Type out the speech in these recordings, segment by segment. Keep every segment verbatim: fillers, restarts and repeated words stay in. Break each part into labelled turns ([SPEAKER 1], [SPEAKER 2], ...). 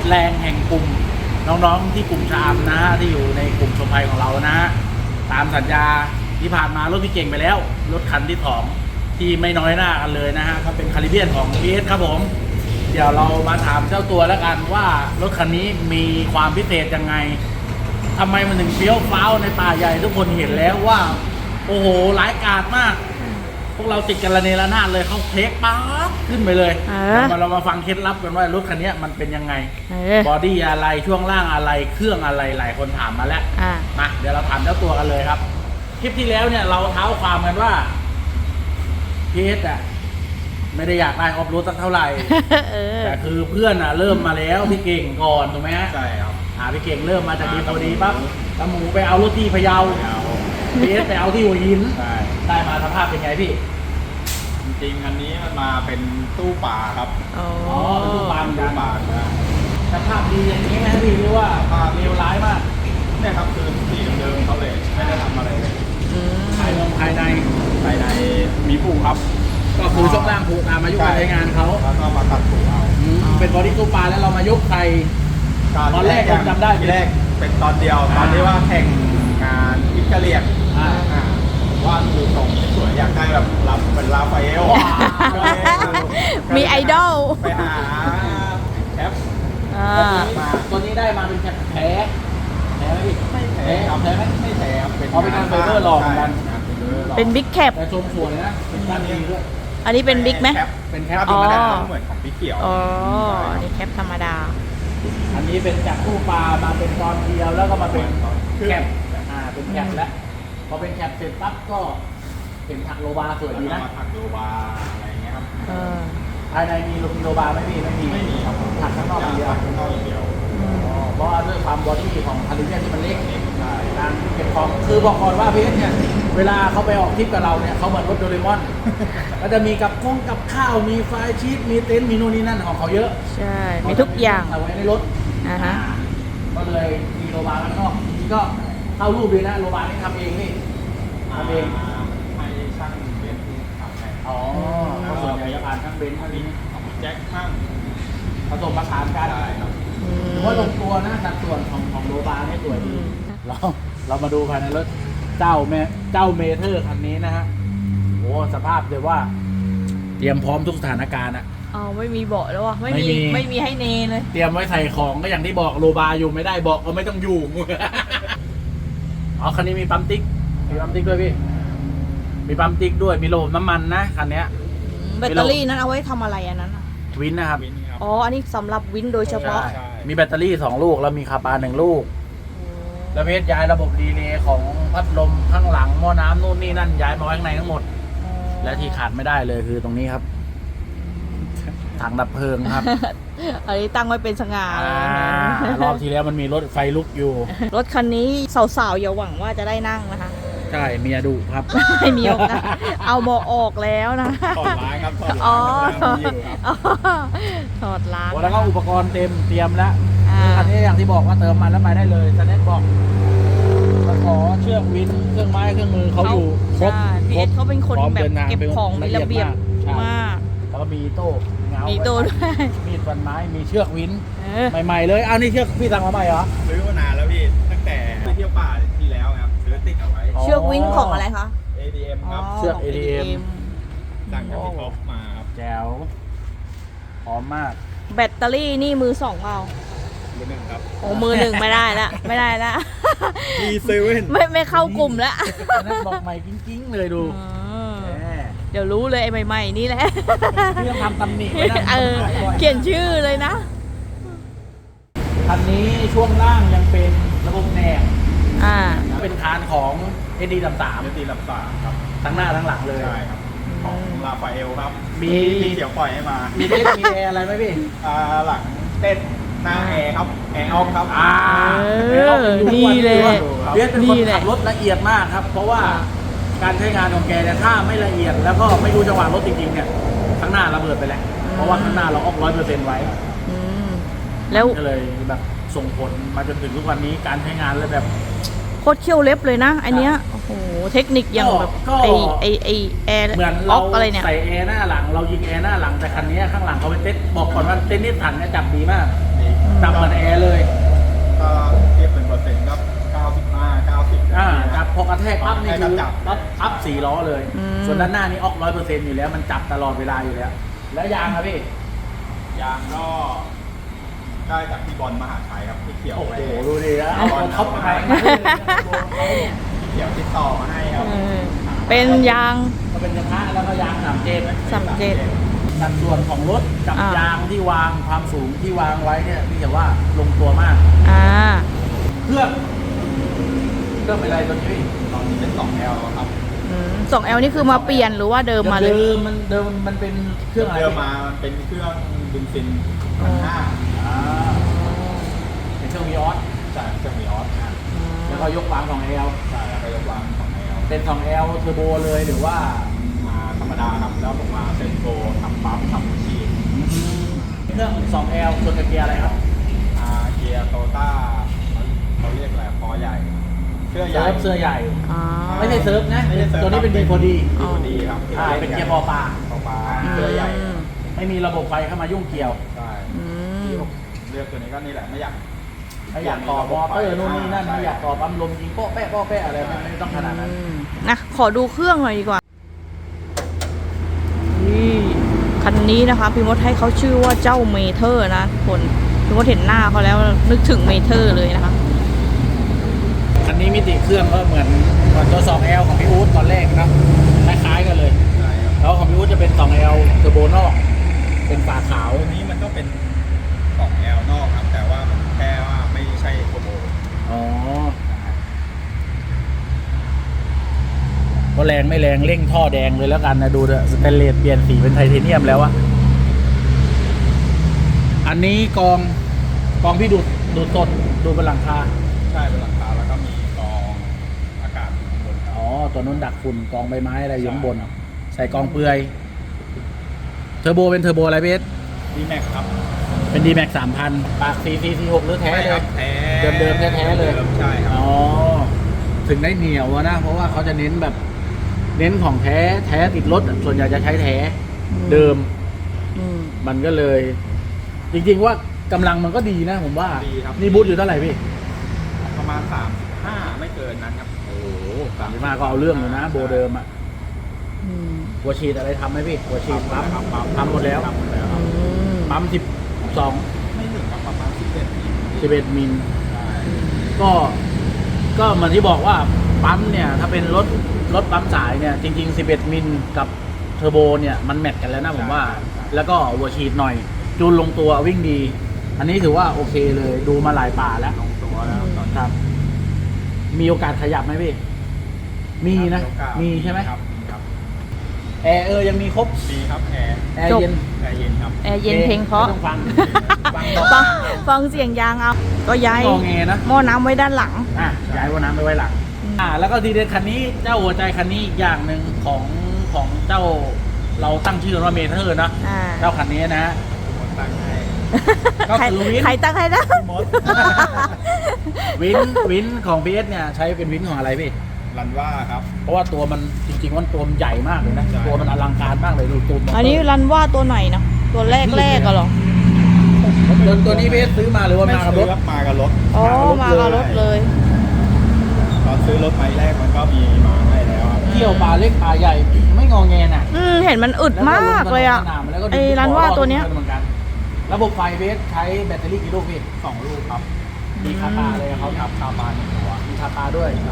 [SPEAKER 1] แรงแห่งกลุ่มน้องๆที่กลุ่มชามนะฮะที่อยู่ในกลุ่มชมภัยของเรานะฮะตามสัญญาที่ผ่านมารถพี่เก่งไปแล้วรถคันที่สองที่ไม่น้อยหน้ากันเลยนะฮะก็เป็นคาริเบียนของ พี เอส ครับผมเดี๋ยวเรามาถามเจ้าตัวแล้วกันว่ารถคันนี้มีความพิเศษยังไงทำไมมันถึงเฟี้ยวฟ้าวในป่าใหญ่ทุกคนเห็นแล้วว่าโอ้โหร้ายกาจมากพวกเราติดกันระเนระนาดเลยเขาเทคป๊าบขึ้นไปเลยเดี๋ยวเรามาฟังเคล็ดลับกันว่ารถคันนี้มันเป็นยังไงบอดี้อะไรช่วงล่างอะไรเครื่องอะไรหลายคนถามมาแล้วมาเดี๋ยวเราถามเจ้าตัวกันเลยครับคลิปที่แล้วเนี่ยเราเท้าความกันว่าพีเอสอ่ะไม่ได้อยากได้ออฟโรดสักเท่าไหร่แต่คือเพื่อนอ่ะเริ่มมาแล้วพี่เก่งก่อนถูกไหมฮะ
[SPEAKER 2] ใช่ครับ
[SPEAKER 1] อ่าพี่เก่งเริ่มมาจากดีพอดีปั๊บตะหมูไปเอารถที่พะเยาพีเอสไปเอาที่หัวหินได้มาสภาพเป็นไงพี่
[SPEAKER 2] จริงๆอันนี้มันมาเป็นตู้ป่าครับ
[SPEAKER 1] อ๋อตู้ป่าเหมือนกัน
[SPEAKER 2] นะ
[SPEAKER 1] สภาพดีอย่างนี้ไหมพี่หรือว่าเลวร้ายมาก
[SPEAKER 2] เนี่ยครับคือสีเดิมๆเขาเลยไม่ได้ทำอะไรเลย
[SPEAKER 1] ภายในภายใน
[SPEAKER 2] ภายในมีผูครับ
[SPEAKER 1] ก็คือช่วงล่างผูตามอายุการใช้งานเขา
[SPEAKER 2] แล้วก็มาตัดผูเอา
[SPEAKER 1] เป็นบอดี้ตู้ปลาแล้วเรามายกใส่ตอนแรกผมจำได้
[SPEAKER 2] ทีแรกเป็นตอนเดียวตอนที่ว่าแข่งงานอิตาเลียนว่าดูทรงสวยอยากได้แบบรับเป็นลาฟาเอล
[SPEAKER 3] มีไอดอล
[SPEAKER 2] ไปหาแคป
[SPEAKER 1] มาตัวนี้ได้มาเป็นแคปแท้แท้ไหมพี่
[SPEAKER 2] ไม่แท้ครับ
[SPEAKER 1] แท้ไหม
[SPEAKER 2] ไม่แท้ครับ
[SPEAKER 1] เป็นเอาเป็นงานไฟเบอร์หลอกกัน
[SPEAKER 3] เป็นบิ๊กแคป
[SPEAKER 1] แต่ชมสวยนะเป็นด้านดีด้วย
[SPEAKER 3] อันนี้เป็นบิ๊กไหม
[SPEAKER 1] เป็นแคป
[SPEAKER 2] ธรรมดาเหมือนของพี่เขียว
[SPEAKER 3] อ๋ออันนี้แคปธรรมดา
[SPEAKER 1] อันนี้เป็นจากตู้ปลามาเป็นตอนเดียวแล้วก็มาเป็นแคปอ่าเป็นแคปแล้วพอเป็นแคปเสร็จปั๊บก็เป็นถักโลบาสวยดีนะ
[SPEAKER 2] ถักโลบาอะไรเงี้ยครับ
[SPEAKER 1] ภายในมีมีโลบาไม่มีไม่มี
[SPEAKER 2] ไม่มีครับ
[SPEAKER 1] ถักข้างนอกอย่างเดียว
[SPEAKER 2] ข้างนอกอย่างเดียว
[SPEAKER 1] เพราะด้วยความบอดี้ของคาริเบียนที่มันเล็กการเก็บของคือบอกก่อนว่าพีเอสเนี่ยเวลาเขาไปออกทริปกับเราเนี่ยเขาเหมือนรถโดเรมอนก็จะมีกับข้องกับข้าวมีไฟชีสมีเต็นท์มีนู่นนี่นั่นของเขาเยอะ
[SPEAKER 3] ใช่มีทุกอย่าง
[SPEAKER 1] เอาไว้ในรถ
[SPEAKER 3] อ่าฮะ
[SPEAKER 1] ก็เลยมีโลบาข้างนอกนี่ก็เข้ารูปเลยนะโลบานี่ทำเองนี่ทำเอง
[SPEAKER 2] ให้ช่างเบนซ์ทำให้
[SPEAKER 1] อ๋อส่วนใหญ่จะผ่านช่างเบนซ์ท่านี้
[SPEAKER 2] ของแจ็คช่าง
[SPEAKER 1] ผสมผสานกันถือว่าลงตัวนะสัดส่วนของของโลบานี่สวยดีเราเรามาดูภายในรถเจ้าแม่เจ้าเมเทอร์คันนี้นะฮะโอ้สภาพเลยว่าเตรียมพร้อมทุกสถานการณ์อะ
[SPEAKER 3] อ๋อไม่มีเบาะแล้ววะไม่มีไม่มีให้เนเลย
[SPEAKER 1] เตรียมไว้ใส่ของก็อย่างที่บอกโลบาอยู่ไม่ได้เบาะก็ไม่ต้องอยู่อ๋อคันนี้มีปั๊มติ๊กมีปั๊มติ๊กด้วยพี่มีปั๊มติ๊กด้วยมีระบบน้ำมันนะคันนี้
[SPEAKER 3] แบตเตอรี่นั้นเอาไว้ทำอะไรอันนั้น
[SPEAKER 1] วินนะครับ
[SPEAKER 3] อ๋ออันนี้สำหรับวินโดยเฉพาะ
[SPEAKER 1] มีแบตเตอรี่สองลูกแล้วมีคาปาหนึ่งลูกแล้วเพชรย้ายระบบดีเลย์ของพัดลมข้างหลังหม้อน้ำนู่นนี่นั่นย้ายมาไว้ข้างในทั้งหมดและที่ขาดไม่ได้เลยคือตรงนี้ครับถังดับเพลิงครับ
[SPEAKER 3] อันนี้ตั้งไว้เป็นสง่าร
[SPEAKER 1] อบที่แล้วมันมีรถไฟลุกอยู่
[SPEAKER 3] รถคันนี้สาวๆอย่าหวังว่าจะได้นั่งนะคะ
[SPEAKER 1] ใช่เมียดุครับ
[SPEAKER 3] ไม่มีโอกาสเอาเบาะออกแล้วนะ
[SPEAKER 2] ถอดล้างครับถอด
[SPEAKER 3] ล้
[SPEAKER 2] าง
[SPEAKER 3] ถอดล้าง
[SPEAKER 1] แล้วก็อุปกรณ์เต็มเตรียมแล้วอันนี้อย่างที่บอกว่าเติมมันแล้วไปได้เลยสแน็คบอกขอเชือกวินเครื่องไม้เครื่องมือเขาอยู่ครบ
[SPEAKER 3] พีเอสเขาเป็นคนแบบเก็บของมีระเบียบมาก
[SPEAKER 1] แล้วก็มีโต้
[SPEAKER 3] มีโต้ด้วย
[SPEAKER 1] มีดฟันไม้มีเชือกวินใหม่ๆเลยอ้าวนี่เชือกพี่สั่งมาใหม่เหรอ
[SPEAKER 2] ซื้อมานานแล้วพี่ตั้งแต่ไปเที่ยวป่าที่แล้วครับซื้อติดเอาไว้
[SPEAKER 3] เชือกวินของอะไรคะ
[SPEAKER 2] เอ ดี เอ็ม ครับ
[SPEAKER 1] เชือก เอ ดี เอ็ม
[SPEAKER 2] สั่งจากพี่ท็อปมาครับ
[SPEAKER 1] แจ๋วหอมมาก
[SPEAKER 3] แบตเตอรี่นี่มือสองเปล่า
[SPEAKER 2] มือหนึ่งครับ
[SPEAKER 3] โอ้มือหนึ่งไม่ได้ละไม่ได้ละ
[SPEAKER 2] มีเซเว่น
[SPEAKER 3] ไม่ไม่เข้ากลุ่มแล้ว
[SPEAKER 1] นั่นบอกใหม่กิ้งๆเลยดู
[SPEAKER 3] เดี๋ยวรู้เลยไอ้ใหม่ๆนี่แหละ
[SPEAKER 1] ที่ต้องทำตำหนิไว้นะ
[SPEAKER 3] เขียนชื่อเลยนะ
[SPEAKER 1] คันนี้ช่วงล่างยังเป็นระบบแหนบ
[SPEAKER 3] อ่า
[SPEAKER 1] เป็นคานของ เอ ดี สาม สาม
[SPEAKER 2] เอ ดี สาม สามครับ
[SPEAKER 1] ทั้งหน้าทั้งหลังเลย
[SPEAKER 2] ใช่ครับของลาฟาเอลครับ
[SPEAKER 1] มี
[SPEAKER 2] มีเกี่ยวปล่อยให้มา
[SPEAKER 1] มีเต้นมีแอร์อะไรไหมพี่
[SPEAKER 2] อ่าหลังเต้นหน้าแอร์ครับแอร์ออฟครับ
[SPEAKER 1] อ่า
[SPEAKER 3] นี่เลย
[SPEAKER 1] เบียร์เป็นคนขับรถละเอียดมากครับเพราะว่าการใช้งานของแกเนี่ยถ้าไม่ละเอียดแล้วก็ไม่รู้จังหวะรถจริงๆเนี่ยข้างหน้าระเบิดไปแล้วเพราะว่าข้างหน้าเราออกร้อยเปอร์เซ็นต์ไว้
[SPEAKER 3] แล้ว
[SPEAKER 1] ก็เลยแบบส่งผลมาจนถึงทุกวันนี้การใช้งานเลยแบบ
[SPEAKER 3] โคตรเขี้ยวเล็บเลยนะอันเนี้ยโอ้โหเทคนิคอย่างแบบไอไอไอแอร์
[SPEAKER 1] เหมือนเราใส่แอร์หน้าหลังเรายิงแอร์หน้าหลังแต่คันนี้ข้างหลังเขาเป็นเต้นบอกก่อนว่าเต้นนิสสันเนี่ยจับดีมาก
[SPEAKER 2] ดีนี้
[SPEAKER 1] จับเหมือนแอร์เลย
[SPEAKER 2] ก็เทียบเป็นเปอร์เซ็นต์ก็เก้าสิบห้า เก้าสิบ
[SPEAKER 1] อ่าจับพอกระแทกปั๊บนี่คือ
[SPEAKER 2] จับ
[SPEAKER 1] ปั๊บปั๊บสี่ล้อเลย
[SPEAKER 3] อืม
[SPEAKER 1] ส่วนด้านหน้านี่ออกร้อยเปอร์เซ็นต์อยู่แล้วมันจับตลอดเวลาอยู่แล้ว แล้วยางครับพี่
[SPEAKER 2] ยางก็ได้จากพี่บอลมหาชัยครับพี่เขียว
[SPEAKER 1] โอ้โห
[SPEAKER 2] ไป
[SPEAKER 1] ดูดิแล้วเอาท็อปไป
[SPEAKER 2] พี่เขียวติดต่อมาให้ครับ
[SPEAKER 3] เออเป็นยาง
[SPEAKER 1] ก็เป็นกระทะแล้วก็ยางสามเจน
[SPEAKER 3] สามเจ็ด
[SPEAKER 1] สัดส่วนของรถกับ
[SPEAKER 3] อ่าย
[SPEAKER 1] ยางที่วางความสูงที่วางไว้เนี่ยพี่จะว่าลงตัวมาก
[SPEAKER 3] อ่า
[SPEAKER 1] เครื่องเครื่องเป็นอะไรตัวนี้พี่
[SPEAKER 2] ตอนนี้เป็น สองแอล ครับ
[SPEAKER 3] สองแอลนี่คือมาเปลี่ยนหรือว่าเดิมมาเลย
[SPEAKER 1] เดิมมันเดิมมันเป็นเครื่องอะไร
[SPEAKER 2] เดิมมามันเป็นเครื่องเบนซินพันห้า
[SPEAKER 1] อ่าเป็นเครื่องวีออส
[SPEAKER 2] ใช่เครื่องมีออส
[SPEAKER 1] แล้วก็ยกวางของแอล
[SPEAKER 2] ใช่แล้วก็ยกวางสองแอล
[SPEAKER 1] เป็นสองแอลเทอร์โบเลยหรือว่า
[SPEAKER 2] มาธรรมดาครับแล้วผมมาเซนโกทำปั๊มทำชีน
[SPEAKER 1] เครื่องสองแอลส่วนกับเกียร์อะไรครับ
[SPEAKER 2] อาเกียร์โตต้าเขาเรียกอะไรคอใหญ่เสื้อใหญ่
[SPEAKER 1] เซิร์ฟเสื้อใหญ่
[SPEAKER 3] อ๋อ
[SPEAKER 1] ไม่ใช่เซิร์ฟนะ
[SPEAKER 2] ไม่ใช่เซิร์ฟ
[SPEAKER 1] ตัวนี้เป็นดีพอดี
[SPEAKER 2] ดีพอดีครับ
[SPEAKER 1] อ่าเป็นเกียร์ปอปลา
[SPEAKER 2] ปอปลา
[SPEAKER 3] อืม
[SPEAKER 2] เสื้อใหญ่
[SPEAKER 1] ไม่มีระบบไฟเข้ามายุ่งเกี่ยว
[SPEAKER 2] ใช่
[SPEAKER 3] อืม
[SPEAKER 2] ที่ผมเลือกตัวนี้ก็นี่แหละไม่อยาก
[SPEAKER 1] ไม่อยากต่อมอเตอร์นู่นนี่นั่นไม่อยากต่อปั๊มลมยิงโป๊ะแป๊ะโป๊ะแป๊ะอะไรไม่ไม่ต้องขนาดนั้น
[SPEAKER 3] อืมนะขอดูเครื่องหน่อยดีกว่านี่คันนี้นะคะพี่มดให้เขาชื่อว่าเจ้าเมเทอร์นะทุกคนพี่มดเห็นหน้าเขาแล้วนึกถึงเมเทอร์เลยนะคะ
[SPEAKER 1] คันนี้มิติเครื่องก็เหมือนเหมือนตัว สองแอล ของพี่อู๊ดตอนแรกนะคล้ายๆกันเลย
[SPEAKER 2] ใช่ครับ
[SPEAKER 1] แล้วของพี่อู๊ดจะเป็น สองแอล เทอร์โบนอก เป็นฝาขาว
[SPEAKER 2] ตัวนี้มันก็เป็นสองแอลนอกครับ แต่ว่ามันแค่ว่าไม่ใช่โคโบ
[SPEAKER 1] อ๋อก็แรงไม่แรงเร่งท่อแดงเลยแล้วกันนะดูเถอะสเตนเลสเปลี่ยนสีเป็นไทเทเนียมแล้วอะอันนี้กองกองพี่ดูดดูดสดดูบนหลังคา
[SPEAKER 2] ใช่เป็นหลังคาแล้วก็มีกรองอากาศอยู่ข้างบนครับ
[SPEAKER 1] อ๋อ ตัวนู้นดักฝุ่นกองใบไม้อะไรอยู่ข้างบน ใส่กองเปลือย เทอร์โบเป็นเทอร์โบอะไรพี่เอส
[SPEAKER 2] ดีแม็กครับ
[SPEAKER 1] เป็น ดี แม็กซ์ สามพัน ปาก ซี ซี ซี หก หรือแท้เลย
[SPEAKER 2] แท้
[SPEAKER 1] เดิมๆแท้ๆเลย
[SPEAKER 2] ดิมใช่ครับ
[SPEAKER 1] อ๋อ ถึงได้เหนียวอะนะ เพราะว่าเขาจะเน้นแบบ เน้นของแท้ แท้ติดรถอะส่วนใหญ่จะใช้แท้
[SPEAKER 3] อืม
[SPEAKER 1] เดิม
[SPEAKER 3] อืม
[SPEAKER 1] มันก็เลย จริงๆว่ากำลังมันก็ดีนะผมว่า
[SPEAKER 2] ดีครับ
[SPEAKER 1] นี่บูทอยู่เท่าไหร่พี่
[SPEAKER 2] ประมาณสามสิบห้าไม่เกินนั้นครับ
[SPEAKER 1] โอ้โหสามสิบห้าก็เอาเรื่องอยู่นะ โบเดิมอะ
[SPEAKER 3] อืม
[SPEAKER 1] หัวฉีดอะไรทำไหมพี่ หัวฉีดปั๊ม
[SPEAKER 2] ครับปั๊ม
[SPEAKER 1] ทำหมดแล้ว
[SPEAKER 2] ทำหมดแล้วครับ
[SPEAKER 3] อืม
[SPEAKER 1] ปั๊มสิบสอง
[SPEAKER 2] ไม่ถึงครับประมาณสิบเอ็ด
[SPEAKER 1] สิบเอ็ดมิล
[SPEAKER 2] ใช่
[SPEAKER 1] ก็ก็เหมือนที่บอกว่าปั๊มเนี่ยถ้าเป็นรถรถปั๊มสายเนี่ยจริงๆสิบเอ็ดมิลกับเทอร์โบเนี่ยมันแมทกันแล้วนะผมว่า แล้วก็หัวฉีดหน่อย จูนลงตัววิ่งดี อันนี้ถือว่าโอเคเลยดูมาหลายป่าแล้ว
[SPEAKER 2] ลงตัวแล้วตอนนี้
[SPEAKER 1] ครับ มีโอกาสขยับไหมพี่ มีนะ
[SPEAKER 2] โอกาส
[SPEAKER 1] มีใช่ไหม
[SPEAKER 2] ครับครับ
[SPEAKER 1] แอร์เออยังมีครบ
[SPEAKER 2] มีครับแอร์
[SPEAKER 1] แอร์เย็น
[SPEAKER 2] แอร์เย็นครับ
[SPEAKER 3] แอร์เย็นเพลงเพราะ
[SPEAKER 1] ไม่ต้องฟังฟัง
[SPEAKER 3] ฟังฟังเสียงยางเอา ก็ย้าย
[SPEAKER 1] งอแงนะ
[SPEAKER 3] หม้อน้ำไว้ด้านหลัง
[SPEAKER 1] อ่ะย้ายว่าน้ำไปไว้หลัง
[SPEAKER 3] อืม
[SPEAKER 1] อ่า แล้วก็ทีเด็ดคันนี้เจ้าหัวใจคันนี้อีกอย่างหนึ่งของของเจ้าเราตั้งชื่อว่าเมเทอร์นะ
[SPEAKER 3] อ่า
[SPEAKER 1] เจ้าคันนี้นะ
[SPEAKER 2] คนตั้งให้
[SPEAKER 1] ก็
[SPEAKER 3] ใคร
[SPEAKER 1] คือวิน
[SPEAKER 3] ใครตั้งให้นะ
[SPEAKER 2] มด
[SPEAKER 1] วินวินของพีเอสเนี่ยใช้เป็นวินของอะไรพี่
[SPEAKER 2] รันว่าครับ
[SPEAKER 1] เพราะว่าตัวมันจริงๆมันตัวมันใหญ่มากเลยนะ
[SPEAKER 2] ใช่
[SPEAKER 1] ตัวมันอลังการมากเลยดูตัวมั
[SPEAKER 3] อันนี้รันว่าตัวไหนเนาะตัวแรกแรกๆอะเหรอ
[SPEAKER 1] ตัวตัวนี้พีเอสซื้อมาหรือว่ามากับรถ
[SPEAKER 2] ไซื้อมากับรถ
[SPEAKER 3] อ๋อ มากับรถเลย
[SPEAKER 2] ตอนซื้อรถไม้แรกมันก็มีมาให้แล้วครับ
[SPEAKER 1] เที่ยวปลาเล็กปลาใหญ่ไม่งอแงน่ะ
[SPEAKER 3] อืมเห็นมันอึดมากเลยอะ
[SPEAKER 1] แล้วก็ลงสนามแล้วก็
[SPEAKER 3] ไอ้รันว่าตัวเนี้ย
[SPEAKER 1] เหมือนกันระบบไฟพีเอสใช้แบตเตอรี่กี่ลูกพี่
[SPEAKER 2] สองลูกครับ
[SPEAKER 1] มีคาตาเลยเขา
[SPEAKER 2] ครับคาบานหนึ่งตัว
[SPEAKER 1] มีคาตาด้วย
[SPEAKER 2] ใช่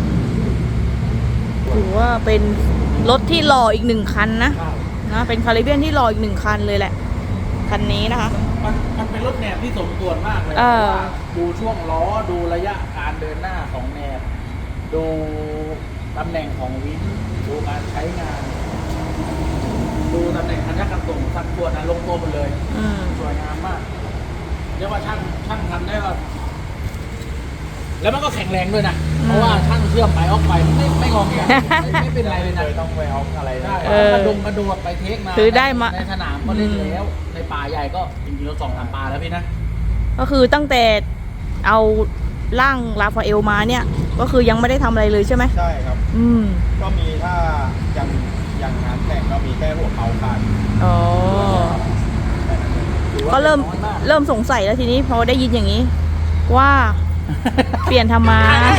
[SPEAKER 3] ถือว่าเป็นรถที่หล่ออีกหนึ่งคันนะนะเป็นคาริเบียนที่หล่ออีกหนึ่งคันเลยแหละ คันนี้นะคะ
[SPEAKER 1] มันมันเป็นรถแนบที่สมส่วนมากเลย
[SPEAKER 3] เออ
[SPEAKER 1] พราะว่าดูช่วงล้อดูระยะการเดินหน้าของแนบ ดูตำแหน่งของวินดูการใช้งาน ดูตำแหน่งคันยักษ์กันส่งสัดส่วนนะลงตัวหมดเลย
[SPEAKER 3] อืม
[SPEAKER 1] สวยงามมากเรียกว่าช่างช่างทำได้ว่าแล้วมันก็แข็งแรงด้วยนะ เพราะว่าช่างเชื่อมไปออกไปไม่ไม่งอแงไม่ไม่เป็นไรเลยนะ
[SPEAKER 2] เคยต้องไปเอาอะไร
[SPEAKER 1] ได้
[SPEAKER 2] ได้
[SPEAKER 3] เออ
[SPEAKER 1] กระดงกระโดดไปเทคมา
[SPEAKER 3] คือได้มา
[SPEAKER 1] ในสนามก็เล่นแล้ว ในป่าใหญ่ก็จริงๆเราสองสามป่าแล้วพี่นะ
[SPEAKER 3] ก็คือตั้งแต่เอาร่างราฟาเอลมาเนี่ย ก็คือยังไม่ได้ทำอะไรเลยใช่ไหม
[SPEAKER 2] ใช่ครับ
[SPEAKER 3] อืม
[SPEAKER 2] ก็มีถ้าอย่างอย่างงานแข่งก็มีแค่หัวเขาขาด
[SPEAKER 3] อ๋อ
[SPEAKER 2] แค่นั้นเอง
[SPEAKER 1] คถือว่า
[SPEAKER 3] ก็เริ่ม
[SPEAKER 1] น้อยาก
[SPEAKER 3] เริ่มสงสัยแล้วทีนี้พอได้ยินอย่างนี้ ว่า เปลี่ยนทำไม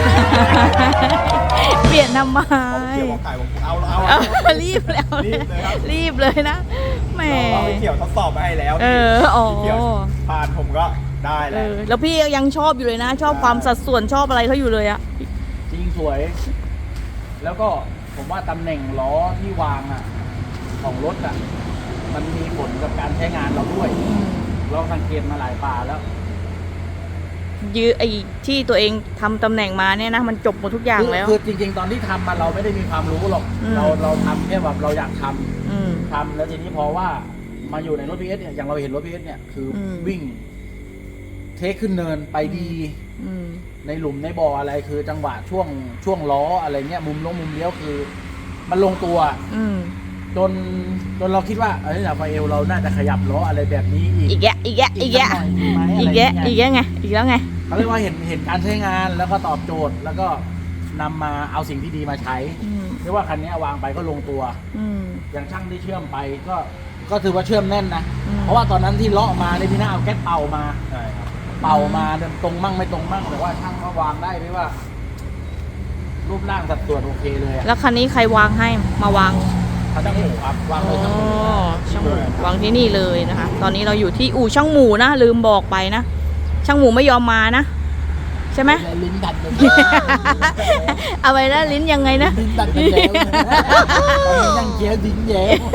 [SPEAKER 3] เปลี่ยนทำไม
[SPEAKER 2] เขี่ยวกับไก่ผมเอาเอา
[SPEAKER 3] เออรีบแล้ว
[SPEAKER 2] รีบเลยครับ
[SPEAKER 3] รีบเลยนะแหม
[SPEAKER 2] เราไปเขี่ยวทดสอบมาให้แล้ว
[SPEAKER 3] เอออ๋อ
[SPEAKER 2] พี่เขี่ยวผ่านผมก็ได้
[SPEAKER 3] เอ
[SPEAKER 2] แล้ว
[SPEAKER 3] อแล้วพี่ยังชอบอยู่เลยนะ ชอบความสัดส่วนชอบอะไรเขาอยู่เลยอะ
[SPEAKER 1] จริงสวย แล้วก็ผมว่าตำแหน่งล้อที่วางอ่ะ ของรถอ่ะ มันมีผลกับการใช้งานเราด้วยเราสังเกตมาหลายป่าแล้ว
[SPEAKER 3] ยื้อไอ้ที่ตัวเองทำตำแหน่งมาเนี่ยนะมันจบหมดทุกอย่างแล้ว
[SPEAKER 1] คือจริง ๆ ตอนที่ทำมาเราไม่ได้มีความรู้หรอก
[SPEAKER 3] อืม
[SPEAKER 1] เราเราทำแค่แบบเราอยากทำ
[SPEAKER 3] อืม
[SPEAKER 1] ทำแล้วทีนี้พอว่ามาอยู่ในรถพีเอสเนี่ยอย่างเราเห็นรถพีเอสเนี่ยคืออ
[SPEAKER 3] ม
[SPEAKER 1] วิ่ง เทคขึ้นเนินไปดี
[SPEAKER 3] อืม
[SPEAKER 1] ในหลุมในบ่ออะไรคือจังหวะช่วงช่วงล้ออะไรเงี้ยมุมลงมุมเลี้ยวคือ มันลงตัว
[SPEAKER 3] อืม
[SPEAKER 1] จนจนเราคิดว่าเอ้ยราฟาเอลเราน่าจะขยับล้ออะไรแบบนี้อีก
[SPEAKER 3] อีกแยะอีกแยะอีกแยะ
[SPEAKER 1] สัหน่อยดีไหม
[SPEAKER 3] อีก
[SPEAKER 1] อะไร
[SPEAKER 3] แยะ
[SPEAKER 1] เงี้ย
[SPEAKER 3] อีกแยะไงอีกแล้วไง
[SPEAKER 1] เขาเรียกว่าเห็นเห็นการใช้งานแล้วก็ตอบโจทย์ แล้วก็นำมาเอาสิ่งที่ดีมาใช้
[SPEAKER 3] อืม
[SPEAKER 1] เรียกว่าคันนี้วางไปก็ลงตัว
[SPEAKER 3] อืม
[SPEAKER 1] อย่างช่างที่เชื่อมไปก็ก็ถือว่าเชื่อมแน่นนะ
[SPEAKER 3] อืม
[SPEAKER 1] เพราะว่าตอนนั้นที่เลาะมาในยพี่หน้าเอาแก๊สเป่ามา
[SPEAKER 2] ใช่ครับ
[SPEAKER 1] เป่ามาเดินตรงมั่งไม่ตรงมั่งแต่ว่าช่างก็วางได้ไม่ว่า รูปร่างสัดส่วนโอเคเลยอะ
[SPEAKER 3] แล้วคันนี้ใครวางให้มาวาง
[SPEAKER 1] เขาช่างหมูครับวาง
[SPEAKER 3] อ๋
[SPEAKER 1] เล
[SPEAKER 3] อย
[SPEAKER 1] ช่างหมู
[SPEAKER 3] ช่างหมูวางที่นี่เลยนะคะ ตอนนี้เราอยู่ที่อู่ช่างหมูนะลืมบอกไปนะช่างหมูไม่ยอมมานะใช่ไหม
[SPEAKER 1] ลิ้นดัดกัน
[SPEAKER 3] เอาไปแล้วลิ้นยังไงนะ
[SPEAKER 1] ลิ้นดัดกันแล้วตอนนี้นั่งเคี้ยวดิ้นแย้ม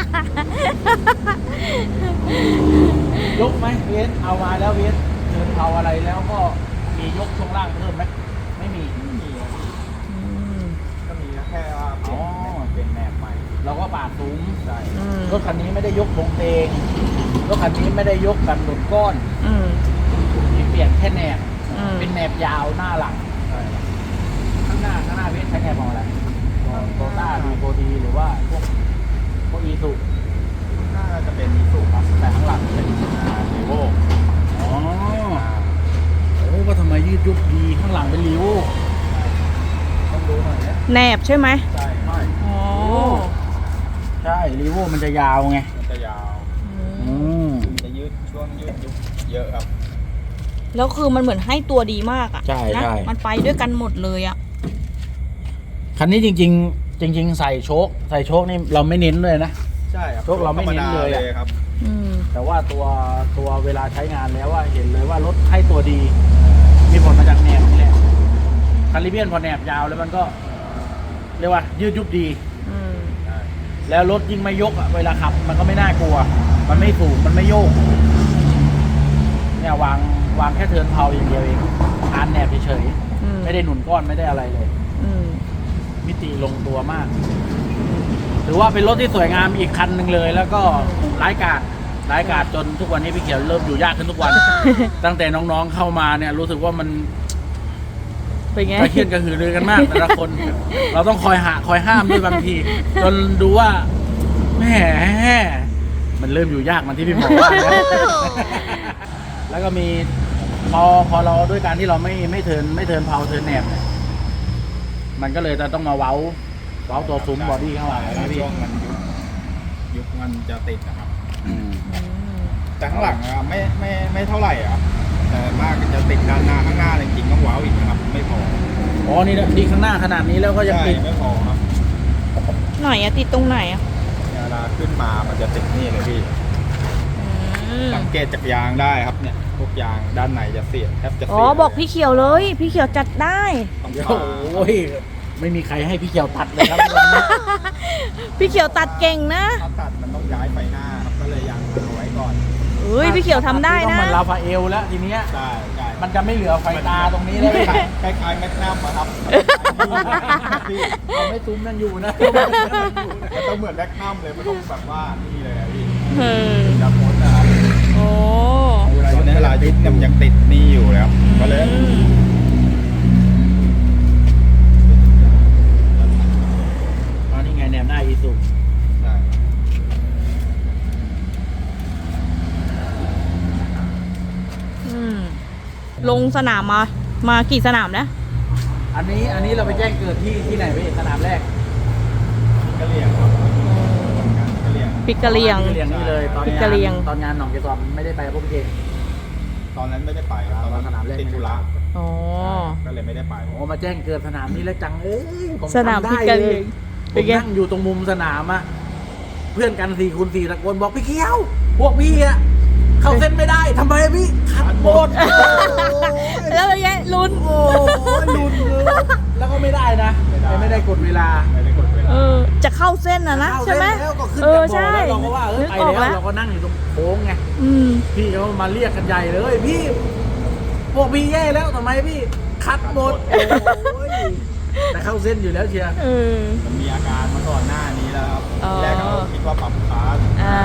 [SPEAKER 1] ยกไหมเวสเอามาแล้วเวสเดินเอาอะไรแล้วก็มียกช่วงล่างเพิ่มไหมไม่มี
[SPEAKER 2] ไม่มีครับ
[SPEAKER 3] อืม
[SPEAKER 2] ก็มีแค่ว่าเปลี่ยน
[SPEAKER 1] อ๋อ
[SPEAKER 2] เป็นแนบใหม่
[SPEAKER 1] เราก็ปาดสูง
[SPEAKER 2] ใช่
[SPEAKER 3] อืม
[SPEAKER 1] รถคันนี้ไม่ได้ยกลงเตงรถคันนี้ไม่ได้ยกกันหนุนก้อน
[SPEAKER 3] อืม
[SPEAKER 1] มีเปลี่ยนแค่แหนบ
[SPEAKER 3] อืม
[SPEAKER 1] เป็นแหนบยาวหน้าหลัง
[SPEAKER 2] ใช่ครับ
[SPEAKER 1] ข้างหน้าข้างหน้าเวสใช้แหนบของอะไรโตต้าดีโบดีหรือว่าพวกพวกอีสุ
[SPEAKER 2] น่าจะเป็นอีสุครับ
[SPEAKER 1] แต่ข้างหลังเป็น
[SPEAKER 2] รีโว
[SPEAKER 1] อ๋อโอ้ก็ทำไมยืดยุบดีข้างหลังเป็นริ้ว
[SPEAKER 2] ต้องดูหน่อยเนี่ย
[SPEAKER 3] แหนบใช่ไหม
[SPEAKER 2] ใช่ใช่
[SPEAKER 3] อ๋อ
[SPEAKER 1] ใช่ริ้วมันจะยาวไง
[SPEAKER 2] มันจะยาว
[SPEAKER 1] อืม
[SPEAKER 2] จะยืดช่วงยืดยุบเยอะครับ
[SPEAKER 3] แล้วคือมันเหมือนให้ตัวดีมากอะ
[SPEAKER 1] ใช่
[SPEAKER 3] นะ
[SPEAKER 1] ใช่
[SPEAKER 3] มันไปด้วยกันหมดเลยอะ
[SPEAKER 1] คันนี้จริง ๆ จริง ๆ ใส่โชคใส่โชคนี่เราไม่เน้นเลยนะ
[SPEAKER 2] ใช่ครับ
[SPEAKER 1] พวกเราไม่เน้นเลยอะ
[SPEAKER 2] ธรรมดาครับ
[SPEAKER 3] อืม
[SPEAKER 1] แต่ว่าตัวตัวเวลาใช้งานแล้วว่าเห็นเลยว่ารถให้ตัวดี มีผลมาจากแหนบนี่แหละคาริเบียนพอแหนบยาวแล้วมันก็ เรียกว่า ยืดยุบดี
[SPEAKER 3] อืม
[SPEAKER 2] ใช่
[SPEAKER 1] แล้วรถยิ่งไม่ยกอะเวลาขับ มันก็ไม่น่ากลัว มันไม่สูงมันไม่โยก เนี่ยวางวางแค่เทิร์นเพาอย่างเดียวเองอ่านแหนบเฉย
[SPEAKER 3] อืม
[SPEAKER 1] ๆไม่ได้หนุนก้อนไม่ได้อะไรเลย
[SPEAKER 3] อืม
[SPEAKER 1] มิติลงตัวมากถือว่าเป็นรถที่สวยงามอีกคันหนึ่งเลย แล้วก็ร้ายกาจร้ายกาจจนทุกวันนี้พี่เขียวเริ่มอยู่ยากขึ้นทุก วัน ตั้งแต่น้องๆเข้ามาเนี่ย รู้สึกว่ามัน
[SPEAKER 3] เป็นไง
[SPEAKER 1] กระเคียนกระหือรือกันมากแต่ละคน เราต้องคอยหาคอยห้ามด้วยบางที จนดูว่าแหมมันเริ่มอยู่ยากมันที่พี่หมอว่านะ แล้วก็มีพอพอเราด้วยการที่เราไม่ไม่เทิร์นไม่เทิร์นเพาเทิร์นแหนบเนี่ยมันก็เลยจะต้องมาเว้าเว้าตัวซุ้มบอดี้ข้างหลังนะพี่
[SPEAKER 2] ช่วงมันยุบยุบมันจะติดนะครับ
[SPEAKER 1] อืม
[SPEAKER 3] อืม
[SPEAKER 2] แต่ข้างหลังอะไม่ไม่ไม่เท่าไหร่อะครับแต่มากจะติดด้านหน้าข้างหน้าจริงๆต้องว้าวอีกนะครับ ไม่พอ
[SPEAKER 1] อ๋อนี่นะนี่ข้างหน้าขนาดนี้แล้วก็ยัง
[SPEAKER 2] ใช่
[SPEAKER 1] ติด
[SPEAKER 2] ไม่พอครับ
[SPEAKER 3] ไหนอะติดตรงไหนอะ
[SPEAKER 2] เวลาขึ้นมามันจะติดนี่เลยพี่
[SPEAKER 3] อืม
[SPEAKER 2] สังเกตจากยางได้ครับเนี่ยพวกยางด้านในจะเสียแทบจะเสีย
[SPEAKER 3] อ๋อบอกพี่เขียวเลย พี่เขียวจัดได้
[SPEAKER 2] ต้อง
[SPEAKER 1] เดี๋ยว
[SPEAKER 2] ผ่า
[SPEAKER 1] โอ้ยไม่มีใครให้พี่เขียวตัดเลยครับวันนี้
[SPEAKER 3] พี่เขียวตัดเก่งนะ
[SPEAKER 2] ถ้าตัดมันต้องย้ายไฟหน้าครับก็เลยยังเอาไว้ก่อน
[SPEAKER 3] เฮ้ยพี่เขียวทำได้
[SPEAKER 1] ต้อง
[SPEAKER 3] นะ
[SPEAKER 1] เหมือนลาฟาเอลแล้วทีเนี้ย
[SPEAKER 2] ใช่ใช่
[SPEAKER 1] มันจะไม่เหลือไฟตาตรงนี้แล้วเลย
[SPEAKER 2] คล้ายๆแมกนัมอะครับพี่
[SPEAKER 1] เราไม่ซุ้มนั่นอยู่นะ
[SPEAKER 2] มันต้องเหมือนแมกนัมเลยมันต้องแบบว่านี่เลยอะพี่
[SPEAKER 3] เออ
[SPEAKER 2] จับมดนะครับ
[SPEAKER 3] โอ้
[SPEAKER 2] ตอนนี้เวลายึดเนี่ยมันยังติดนี่อยู่แล้วก็เลย
[SPEAKER 3] อืม
[SPEAKER 1] อ๋อนี่ไงแนวหน้าอีสุ
[SPEAKER 2] ใช่
[SPEAKER 3] อืมลงสนามมา มากี่สนามนะ
[SPEAKER 1] อันนี้อันนี้เราไปแจ้งเกิดที่ที่ไหนพี่สนามแรก
[SPEAKER 2] กะเหรี่ยงครับการกะเหรี่ยง
[SPEAKER 3] พริกกะเหรี่ยง
[SPEAKER 1] พริกกะเหรี่ยงนี่เลยตอน
[SPEAKER 3] พริก
[SPEAKER 1] งาก
[SPEAKER 3] ะเหรี่ย
[SPEAKER 1] น
[SPEAKER 3] ง
[SPEAKER 1] ตอนงานหนองเกสรไม่ได้ไปพวกพี่เก่ง
[SPEAKER 2] ตอนนั้นไม่ได้ไปครับตอนนั้น
[SPEAKER 1] สนามเล่น
[SPEAKER 2] ติดธุระ
[SPEAKER 3] อ๋อ
[SPEAKER 2] ก็เลยไม่ได้ไป
[SPEAKER 1] โอ้มาแจ้งเกิดสนามนี้แล้วจังเอ้ยผม
[SPEAKER 3] สนาม
[SPEAKER 1] จำ
[SPEAKER 3] พริ
[SPEAKER 1] ได้
[SPEAKER 3] กกะเห
[SPEAKER 1] เล
[SPEAKER 3] รี่ย
[SPEAKER 1] ย
[SPEAKER 3] ง
[SPEAKER 1] ผ
[SPEAKER 3] เป็น
[SPEAKER 1] ม
[SPEAKER 3] ไง
[SPEAKER 1] นั่งอยู่ตรงมุมสนามอะเพื่อนกันสี่คูณสี่ตะโกนบอกพี่เขียว พวกพี่อะเข้าเส้นไม่ได้ทำไมพี่ขัดหมด
[SPEAKER 3] แล้วเป็นไงลุ้น
[SPEAKER 1] โอ้ยลุ้นเลยแล้วก็ไม่ได้นะ
[SPEAKER 2] ไม่ได้
[SPEAKER 1] ไม่ได้กดเวลา
[SPEAKER 2] ไม่ได้กดเวลา
[SPEAKER 3] เออ จะเข้าเส้นนะนะ
[SPEAKER 1] เข้า
[SPEAKER 3] ใช่ไหม
[SPEAKER 1] เส้นแล้วก็ขึ้น
[SPEAKER 3] เออ
[SPEAKER 1] จากบ่อ
[SPEAKER 3] ใช่
[SPEAKER 1] แล้วเราก็ว่าเออ
[SPEAKER 3] นึก
[SPEAKER 1] ไป
[SPEAKER 3] ออก
[SPEAKER 1] แล้
[SPEAKER 3] แล้ว ว
[SPEAKER 1] เราก็นั่งอยู่ตรงโค้งไง
[SPEAKER 3] อืม
[SPEAKER 1] พี่เขามาเรียกกันใหญ่เลย พี่ พวกพี่แย่แล้วทำไมพี่คัดหมดโอ้ยแต่เข้าเส้นอยู่แล้วเชียร์
[SPEAKER 3] เออ
[SPEAKER 2] มันมีอาการมาก่อนหน้านี้แล้วครับ
[SPEAKER 3] อ๋อ
[SPEAKER 2] ทีแรกเราคิดว่าปรับคาร์ด
[SPEAKER 3] อ่า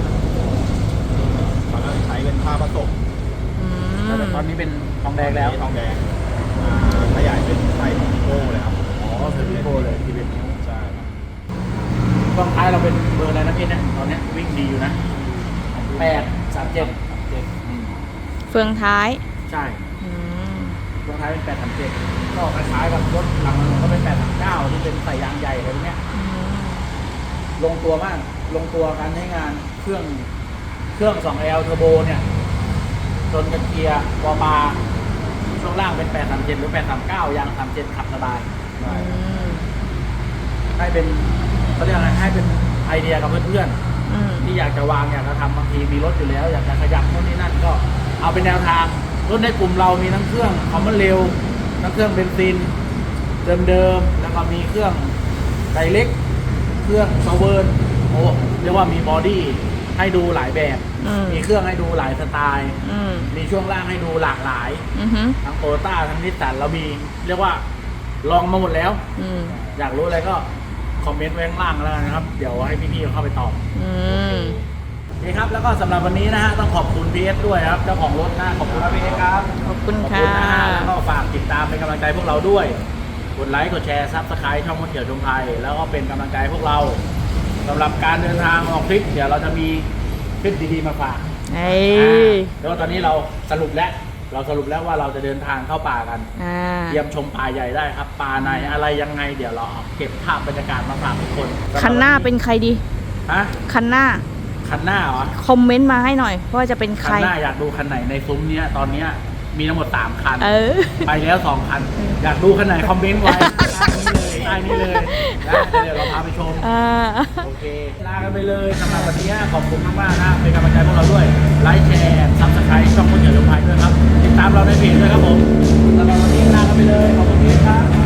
[SPEAKER 2] ตอนนั้นใช้เป็นผ้าผสม
[SPEAKER 3] อืม
[SPEAKER 1] แต่ตอนนี้เป็นทองแดงแล้ว
[SPEAKER 2] ทองแดงอ่าขยายเป็นไซส์ของโก้เลยครับ
[SPEAKER 1] อ๋อเป็นพี่โกเลยทีเด็ดนิ้ว
[SPEAKER 2] ใช่ครับ
[SPEAKER 1] กองท้ายเราเป็นเบอร์อะไรนะพี่เนี่ยตอนเนี้ยวิ่งดีอยู่นะแปดสามเจ็ด
[SPEAKER 2] เจ็ด
[SPEAKER 3] เฟืองท้าย
[SPEAKER 1] ใช่
[SPEAKER 3] อืม
[SPEAKER 1] กองท้ายเป็นแปดสามเจ็ดก็คล้ายๆกับรถหลังมันก็เป็นแปดสามเก้าที่เป็นใส่ยางใหญ่อะไรพวกเนี้ย
[SPEAKER 3] อืม
[SPEAKER 1] ลงตัวมาก ลงตัวการใช้งานเครื่องเครื่อง สองแอล เทอร์โบเนี่ยจนกับเกียร์วอลบาร์ช่วงล่างเป็นแปดสามเจ็ดหรือแปดสามเก้ายางสามเจ็ดขับสบาย
[SPEAKER 2] ใช่
[SPEAKER 3] อืม
[SPEAKER 1] ให้เป็นเขาเรียกอะไรให้เป็นไอเดียกับเพื่อน
[SPEAKER 3] อืม
[SPEAKER 1] ๆที่อยากจะวางอยากจะทำบางทีมีรถอยู่แล้ว อยากจะขยับโน่นนี่นั่นก็เอาเป็นแนวทางรถในกลุ่มเรามีทั้งเครื่องคอมมอนเร็วทั้งเครื่องเบนซินเดิมๆแล้วก็มีเครื่องไดเล็ก เครื่องซอเวิร์นโอ้เรียกว่ามีบอดี้ให้ดูหลายแบบ
[SPEAKER 3] อืม
[SPEAKER 1] มีเครื่องให้ดูหลายสไตล์
[SPEAKER 3] อืม
[SPEAKER 1] มีช่วงล่างให้ดูหลากหลาย
[SPEAKER 3] อือหือ
[SPEAKER 1] ทั้งโตโยต้าทั้งนิสสันเรามีเรียกว่าลองมาหมดแล้ว
[SPEAKER 3] อืม
[SPEAKER 1] อยากรู้อะไรก็คอมเมนต์ไว้ข้างล่างแล้วกันนะครับ เดี๋ยวให้พี่ๆเข้าไปตอบ
[SPEAKER 3] อืม
[SPEAKER 1] โอเคครับ แล้วก็สำหรับวันนี้นะฮะต้องขอบคุณพีเอสด้วยครับเจ้าของรถนะขอบคุณครับพีเอสครับ
[SPEAKER 3] ขอบคุณ
[SPEAKER 1] ขอบ
[SPEAKER 3] ค่ะ
[SPEAKER 1] คุณนะฮะแล้วก็ฝากติดตามเป็นกำลังใจพวกเราด้วย กดไลค์ กดแชร์ ซับสไครต์ช่องมดเขียวชมไทย แล้วก็เป็นกำลังใจให้พวกเราสำหรับการเดินทางออกทริป เดี๋ยวเราจะมีคลิปดีๆมาฝาก
[SPEAKER 3] เอ้ย
[SPEAKER 1] แล้วตอนนี้เราสรุปแล้ว เราสรุปแล้วว่าเราจะเดินทางเข้าป่ากัน
[SPEAKER 3] อ่า
[SPEAKER 1] เยี่ยมชมป่าใหญ่ได้ครับ ป่าในอะไรยังไง เดี๋ยวเราเอาเก็บภาพบรรยากาศมาฝากทุกคน
[SPEAKER 3] คันหน้าเป็นใครดี
[SPEAKER 1] ฮะ
[SPEAKER 3] คันหน้า
[SPEAKER 1] คันหน้าเหรอ
[SPEAKER 3] คอมเมนต์มาให้หน่อยว่าจะเป็นใค
[SPEAKER 1] คั
[SPEAKER 3] ร
[SPEAKER 1] นหน้าอยากดูคันไหนในซุ้มเนี้ยตอนเนี้ยมีทั้งหมดสามคัน
[SPEAKER 3] เออ
[SPEAKER 1] ไปแล้วสองคัน อยากดูคันไหนคอมเมนต์ไว้ใต้นี้เลยใต้นี้เลยนะเดี๋ยวเราพาไปชม
[SPEAKER 3] อ่า
[SPEAKER 1] โอเค ลากันไปเลยสำหรับวันนี้ขอบคุณมากๆนะเป็นกำลังใจพวกเราด้วย ไลค์แชร์ซับสไครต์ช่องคนเขียวลงไปด้วยครับ ติดตามเราในเพจด้วยครับผมสำหรับวันนี้ลากันไปเลย ขอบคุณที่ครับ